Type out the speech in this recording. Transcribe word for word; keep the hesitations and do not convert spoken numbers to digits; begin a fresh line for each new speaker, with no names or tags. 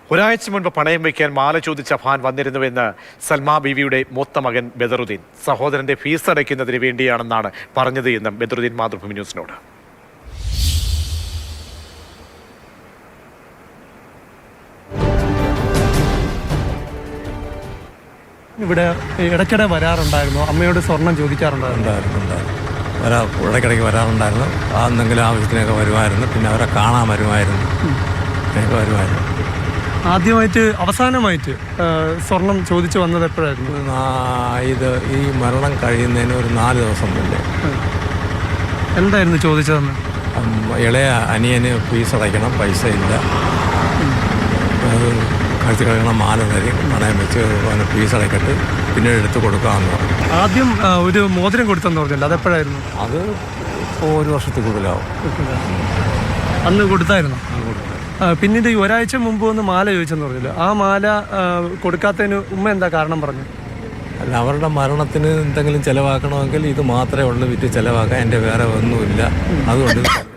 ഒരാഴ്ച മുൻപ് പണയം വയ്ക്കാൻ മാല ചോദിച്ച ഫാൻ വന്നിരുന്നുവെന്ന് സൽമാ ബീവിയുടെ മൂത്ത മകൻ ബദറുദ്ദീൻ. സഹോദരന്റെ ഫീസ് അടയ്ക്കുന്നതിന് വേണ്ടിയാണെന്നാണ് പറഞ്ഞത് എന്നും ബദറുദ്ദീൻ മാതൃഭൂമി ന്യൂസിനോട്.
ഇവിടെ ഇടയ്ക്കിടെ വരാറുണ്ടായിരുന്നു, അമ്മയോട് സ്വർണം ചോദിക്കാറുണ്ടായിരുന്നു.
വരാ ഇടയ്ക്കിടയ്ക്ക് വരാറുണ്ടായിരുന്നു. ആ എന്തെങ്കിലും ആവശ്യത്തിനൊക്കെ വരുമായിരുന്നു. പിന്നെ അവരെ കാണാൻ വരുമായിരുന്നു ഒക്കെ വരുമായിരുന്നു.
ആദ്യമായിട്ട് അവസാനമായിട്ട് സ്വർണം ചോദിച്ചു വന്നത് എപ്പോഴായിരുന്നു?
ഇത് ഈ മരണം കഴിയുന്നതിന് ഒരു നാല് ദിവസം മുന്നേ.
എന്തായിരുന്നു ചോദിച്ചതെന്ന്?
ഇളയ അനിയന് ഫീസ് അടയ്ക്കണം, പൈസ ഇല്ല, അത് കഴിച്ച് കഴിയണം, മാല തരി പണയം വെച്ച് ഫീസ് അടയ്ക്കട്ട് പിന്നീട് എടുത്ത് കൊടുക്കാമെന്ന് പറഞ്ഞു.
ആദ്യം ഒരു മോതിരം കൊടുത്തെന്ന് പറഞ്ഞില്ല, അതെപ്പോഴായിരുന്നു?
അത് ഇപ്പോൾ ഒരു വർഷത്തിൽ കൂടുതലാവും.
അന്ന് കൊടുത്തായിരുന്നു. പിന്നീട് ഈ ഒരാഴ്ച മുമ്പ് ഒന്ന് മാല ചോദിച്ചെന്ന് പറഞ്ഞില്ല, ആ മാല കൊടുക്കാത്തതിന് ഉമ്മ എന്താ കാരണം പറഞ്ഞു?
അല്ല, അവരുടെ മരണത്തിന് എന്തെങ്കിലും ചിലവാക്കണമെങ്കിൽ ഇത് മാത്രമേ ഉള്ളൂ വിറ്റ് ചിലവാക്കാൻ, എൻ്റെ വേറെ ഒന്നുമില്ല, അതുകൊണ്ട്